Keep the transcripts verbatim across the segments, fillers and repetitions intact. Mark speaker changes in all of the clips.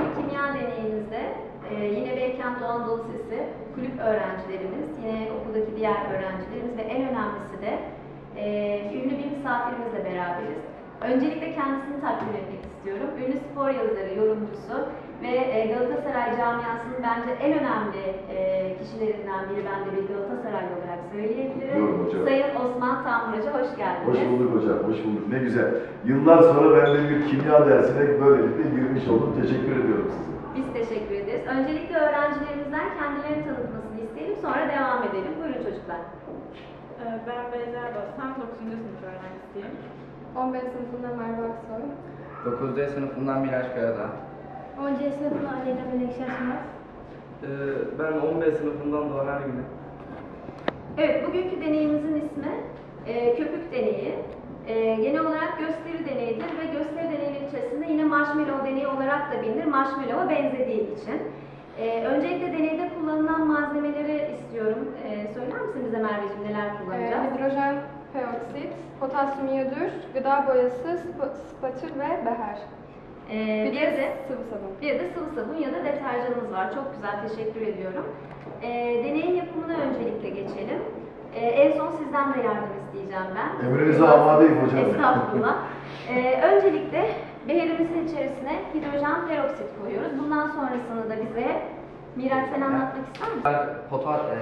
Speaker 1: bugünkü kimya deneyimizde e, yine Beykent Doğu Anadolu Lisesi kulüp öğrencilerimiz, yine okuldaki diğer öğrencilerimiz ve en önemlisi de e, ünlü bir misafirimizle beraberiz. Öncelikle kendisini takdim etmek istiyorum. Ünlü spor yazarı, yorumcusu ve e, Galatasaray camiasının bence en önemli e, kişilerinden biri, ben de bir Galatasaraylı olarak söyleyebilirim. Sayın Osman Tanbur Hoca, hoş geldiniz.
Speaker 2: Hoş bulduk hocam, hoş bulduk. Ne güzel. Yıllar sonra ben de bir kimya dersine böylelikle girmiş oldum. Teşekkür ediyorum size.
Speaker 1: Biz teşekkür ederiz. Öncelikle öğrencilerimizden kendilerini tanıtmasını isteyelim, sonra devam edelim. Buyurun çocuklar.
Speaker 3: Ben Beyza Bostan, dokuzuncu sınıf öğrencisiyim.
Speaker 4: on beş sınıfından Merve Aksoy.
Speaker 5: dokuz D sınıfından Miraç Karadağ.
Speaker 4: on C sınıfından Aleyna Melekşah Şımaz.
Speaker 6: Ee, ben on beş sınıfından Doğan Ergün'üm.
Speaker 1: Evet, bugünkü deneyimizin ismi e, köpük deneyi. E, genel olarak gösteri deneyidir ve gösteri deneyi içerisinde yine marshmallow deneyi olarak da bilinir. Marshmallow'a benzediği için. E, öncelikle deneyde kullanılan malzemeleri istiyorum. E, söyler misin bize Merveciğim, neler kullanacağız?
Speaker 4: Ee, hidrojen peroksit, potasyum iyodür, gıda boyası, sp- spatül ve beher.
Speaker 1: E, bir de
Speaker 4: sıvı sabun.
Speaker 1: Bir de sıvı sabun ya da deterjanımız var. Çok güzel, teşekkür ediyorum. E, deneyin yapımına öncelikle geçelim. E, en son sizden de yardım isteyeceğim ben.
Speaker 2: Emrinize amadeyim hocam.
Speaker 1: Estağfurullah. e, öncelikle beherimizin içerisine hidrojen peroksit koyuyoruz. Bundan sonrasını da bize Miraç, sen anlatmak ister misin?
Speaker 5: Pota, e,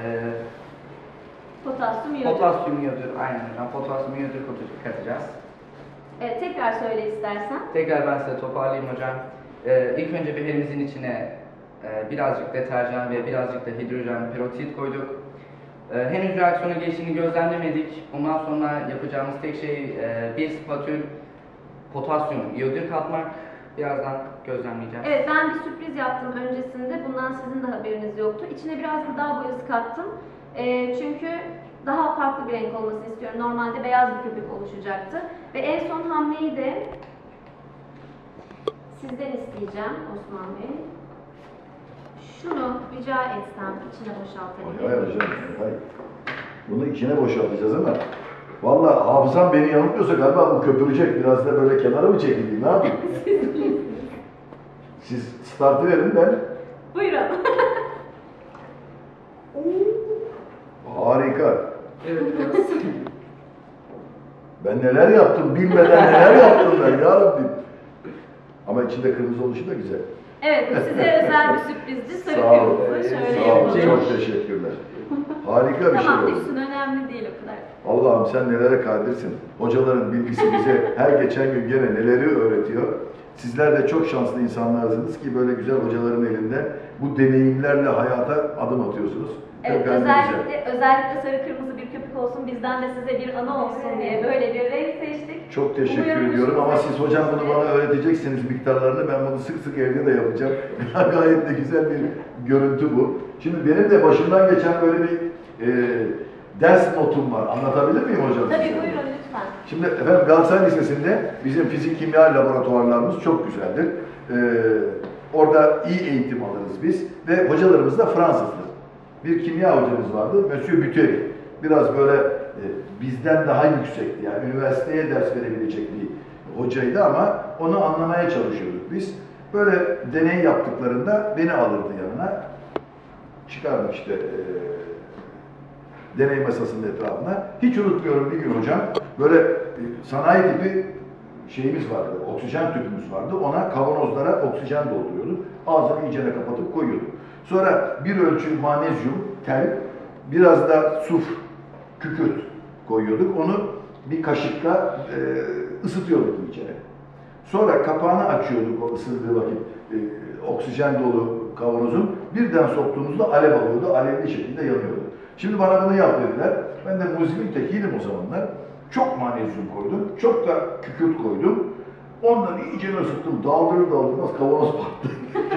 Speaker 1: Potasyum iyodür.
Speaker 5: potasyum iyodür, aynen hocam. Potasyum iyodür katacağız.
Speaker 1: Evet, tekrar söyle istersen.
Speaker 5: Tekrar ben size toparlayayım hocam. E, ilk önce beherimizin içine e, birazcık deterjan ve birazcık da hidrojen peroksit koyduk. E, henüz reaksiyona geçtiğini gözlemlemedik. Bundan sonra yapacağımız tek şey e, bir spatül potasyum iyodür katmak. Birazdan gözlemleyeceğiz.
Speaker 1: Evet, ben bir sürpriz yaptım öncesinde. Bundan sizin de haberiniz yoktu. İçine biraz gıda boyası kattım. E, çünkü daha farklı bir renk olmasını istiyorum. Normalde beyaz bir köpük oluşacaktı. Ve en son hamleyi de sizden isteyeceğim Osman Bey. Şunu rica etsem içine boşaltabilir.
Speaker 2: Hayır hocam, hayır. Bunu içine boşaltacağız ama vallahi hafızam beni yanıltmıyorsa galiba bu köpürecek. Biraz da böyle kenara mı çekileyim, ne yapayım? Siz startı verin ben.
Speaker 1: Buyurun.
Speaker 2: Harika.
Speaker 6: Evet, biraz.
Speaker 2: Ben neler yaptım, bilmeden neler yaptım ben ya Rabbim. Ama içinde kırmızı oluşu da güzel.
Speaker 1: Evet, bu size özel bir sürprizdi. Sarı
Speaker 2: Sağ olun.
Speaker 1: kırmızı şöyle
Speaker 2: Sağ olun,
Speaker 1: yapalım.
Speaker 2: çok teşekkürler. Harika bir şey
Speaker 1: Tamam,
Speaker 2: oldu.
Speaker 1: düşsün, önemli değil o kadar.
Speaker 2: Allah'ım sen nelere kadirsin. Hocaların bilgisi bize her geçen gün gene neleri öğretiyor. Sizler de çok şanslı insanlarsınız ki böyle güzel hocaların elinde bu deneyimlerle hayata adım atıyorsunuz.
Speaker 1: Evet,
Speaker 2: Çok güzel.
Speaker 1: özellikle, özellikle sarı kırmızı bir köpük olsun, bizden de size bir anı olsun diye böyle bir renk seçtik.
Speaker 2: Çok teşekkür
Speaker 1: Umuyorum
Speaker 2: ediyorum ama
Speaker 1: hoşunuza
Speaker 2: siz hocam bunu
Speaker 1: gitmiştir.
Speaker 2: bana öğreteceksiniz miktarlarını. Ben bunu sık sık evde de yapacağım. Gayet de güzel bir görüntü bu. Şimdi benim de başımdan geçen böyle bir e, ders notum var. Anlatabilir miyim hocam?
Speaker 1: Tabii,
Speaker 2: size?
Speaker 1: buyurun lütfen.
Speaker 2: Şimdi efendim Galatasaray Lisesi'nde bizim fizik kimya laboratuvarlarımız çok güzeldir. Ee, orada iyi eğitim alırız biz ve hocalarımız da Fransızdır. Bir kimya hocamız vardı, Monsieur Buteri. Biraz böyle e, bizden daha yüksekti, yani üniversiteye ders verebilecek bir hocaydı ama onu anlamaya çalışıyorduk biz. Böyle deney yaptıklarında beni alırdı yanına. Çıkardık işte e, deney masasının etrafına. Hiç unutmuyorum, bir gün hocam böyle e, sanayi tipi şeyimiz vardı, oksijen tüpümüz vardı. Ona kavanozlara oksijen dolduruyorduk. Ağzını iyicene kapatıp koyuyorduk. Sonra bir ölçü manezyum, tel, biraz da suf, kükürt koyuyorduk. Onu bir kaşıkla e, ısıtıyorduk iyicene. Sonra kapağını açıyorduk o ısındığı vakit. E, oksijen dolu kavanozun. Birden soktuğumuzda alev alıyordu, alevli şekilde yanıyordu. Şimdi bana bunu yap dediler. Ben de muzibin tekiydim o zamanlar. Çok manezyum koydum, çok da kükürt koydum. Ondan iyice ısıttım, daldırır daldırmaz kavanoz patladı.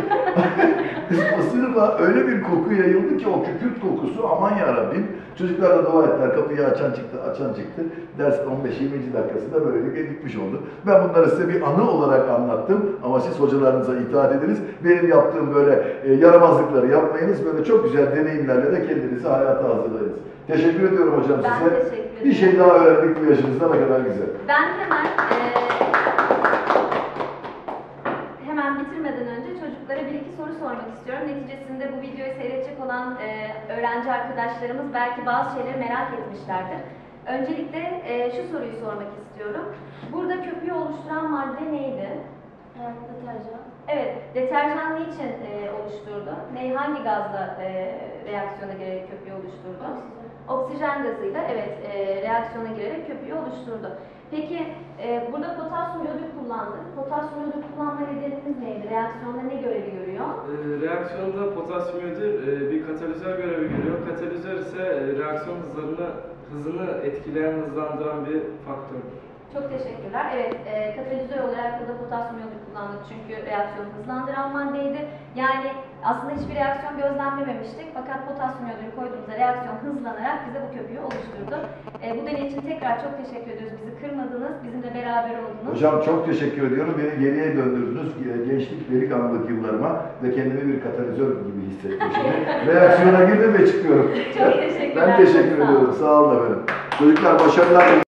Speaker 2: Isırma öyle bir koku yayıldı ki o kükürt kokusu, aman yarabbim. Çocuklar da dua ettiler, kapıyı açan çıktı, açan çıktı. Ders on beş yirmi dakikasında böylelikle bitmiş oldu. Ben bunları size bir anı olarak anlattım ama siz hocalarınıza itaat ediniz. Benim yaptığım böyle e, yaramazlıkları yapmayınız, böyle çok güzel deneyimlerle de kendinizi hayata hazırlayınız. Teşekkür ediyorum hocam
Speaker 1: Ben
Speaker 2: size.
Speaker 1: teşekkür ederim.
Speaker 2: Bir şey daha öğrendik bu yaşınızda, ne kadar güzel.
Speaker 1: Ben hemen e, hemen bitirmeden önce çocuklara bir iki soru sormak istiyorum. Neticesinde bu videoyu seyredecek olan e, öğrenci arkadaşlarımız belki bazı şeyleri merak etmişlerdir. Öncelikle e, şu soruyu sormak istiyorum. Burada köpüğü oluşturan madde neydi?
Speaker 7: Deterjan.
Speaker 1: Evet, deterjan niçin e, oluşturdu? Ne, hangi gazla e, reaksiyona girerek köpüğü oluşturdu? Oksijen gazıyla, evet, e, reaksiyona girerek köpüğü oluşturdu. Peki, e, burada potasyum iyodür kullandık. Potasyum iyodür kullanma nedeniniz neydi? Reaksiyonda ne görevi görüyor?
Speaker 6: E, reaksiyonda potasyum iyodür e, bir katalizör görevi görüyor. Katalizör ise e, reaksiyon hızlarını hızını etkileyen, hızlandıran bir faktördür.
Speaker 1: Çok teşekkürler. Evet, e, katalizör olarak burada potasyum iyodür kullandık çünkü reaksiyonu hızlandıran maddeydi. Yani aslında hiçbir reaksiyon gözlemlememiştik fakat potasyum iyodürü koyduğumuzda reaksiyon hızlanarak bize bu köpüğü oluşturdu. E, bu deney için tekrar çok teşekkür ediyoruz. Bizi kırmadınız, bizimle beraber oldunuz.
Speaker 2: Hocam çok teşekkür ediyorum. Beni geriye döndürdünüz. Gençlik, delikanlılık yıllarıma ve kendimi bir katalizör gibi hissettim. Şimdi reaksiyona girdim ve çıkıyorum.
Speaker 1: Çok teşekkürler.
Speaker 2: Ben teşekkür
Speaker 1: çok sağ olun.
Speaker 2: ediyorum. Sağ olun efendim. Çocuklar başarılar.